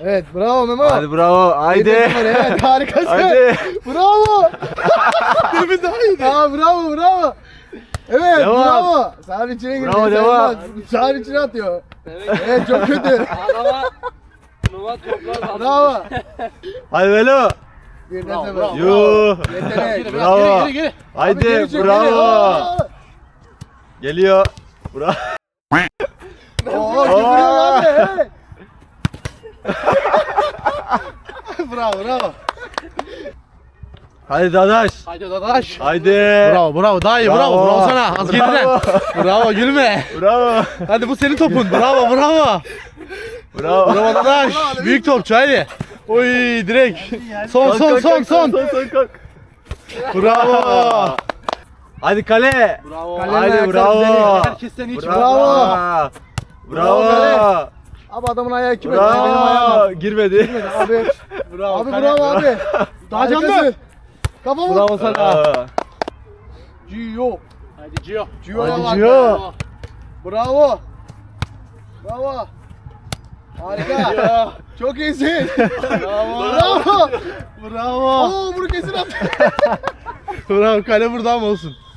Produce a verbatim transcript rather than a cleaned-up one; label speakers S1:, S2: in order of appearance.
S1: Evet, bravo Memo.
S2: Hadi bravo. Haydi.
S1: Evet, harikasın.
S2: Hadi.
S1: Bravo. Demin daha iyiydi. Aa, bravo, bravo. Evet,
S2: Devam.
S1: bravo. Sağın içine girdi.
S2: Bravo, devam.
S1: Sağın içine atıyor. Evet, çok kötü.
S3: Adama numara toplar.
S1: Bravo.
S2: Hadi Velo.
S1: Bir
S3: Bravo,
S1: de
S3: bravo.
S2: Yuh.
S1: Yetenek.
S2: Bravo.
S3: Geri geri.
S2: Haydi
S1: Geri çek,
S2: bravo.
S1: geri. Aa.
S2: Geliyor. Bravo.
S1: Oo, gidiyor abi. Evet. Bravo, bravo.
S2: Hadi Dadaş.
S3: Haydi dadaş.
S2: Haydi.
S3: Bravo bravo daha iyi bravo bravo, bravo sana az geriden.
S2: Bravo.
S3: Bravo gülme.
S2: Bravo.
S3: Hadi bu senin topun. Bravo bravo.
S2: Bravo.
S3: Bravo dadaş. Büyük topçu haydi. Oy direkt. Son
S2: Kalk,
S3: son
S2: kalk,
S3: son
S2: kalk,
S3: son.
S2: Son son kalk.
S3: Bravo.
S2: Hadi kale.
S3: Bravo.
S1: Kale-
S2: Haydi
S1: ayakları
S2: bravo.
S1: düzeliyor.
S3: Herkesten iyi çıktı.
S2: Bravo.
S1: Bravo
S2: Bravo.
S1: Abi adamın ayağı kime? Benim ayağım.
S2: Bravo. Girmedi.
S1: Abi.
S3: Bravo.
S1: Abi
S3: Kale-
S1: bravo abi.
S3: Daha canlı.
S1: Harikasın. Kafa vur.
S3: Bravo sana.
S2: Bravo.
S1: Gio.
S3: Hadi Gio.
S1: Gio'ya
S2: Hadi
S1: bak.
S2: Gio.
S1: Bravo. Bravo. Harika. Çok iyisin.
S3: Bravo.
S1: Bravo.
S3: Bravo.
S1: Oo, bunu kesin attı.
S3: Bravo kale burada mı olsun?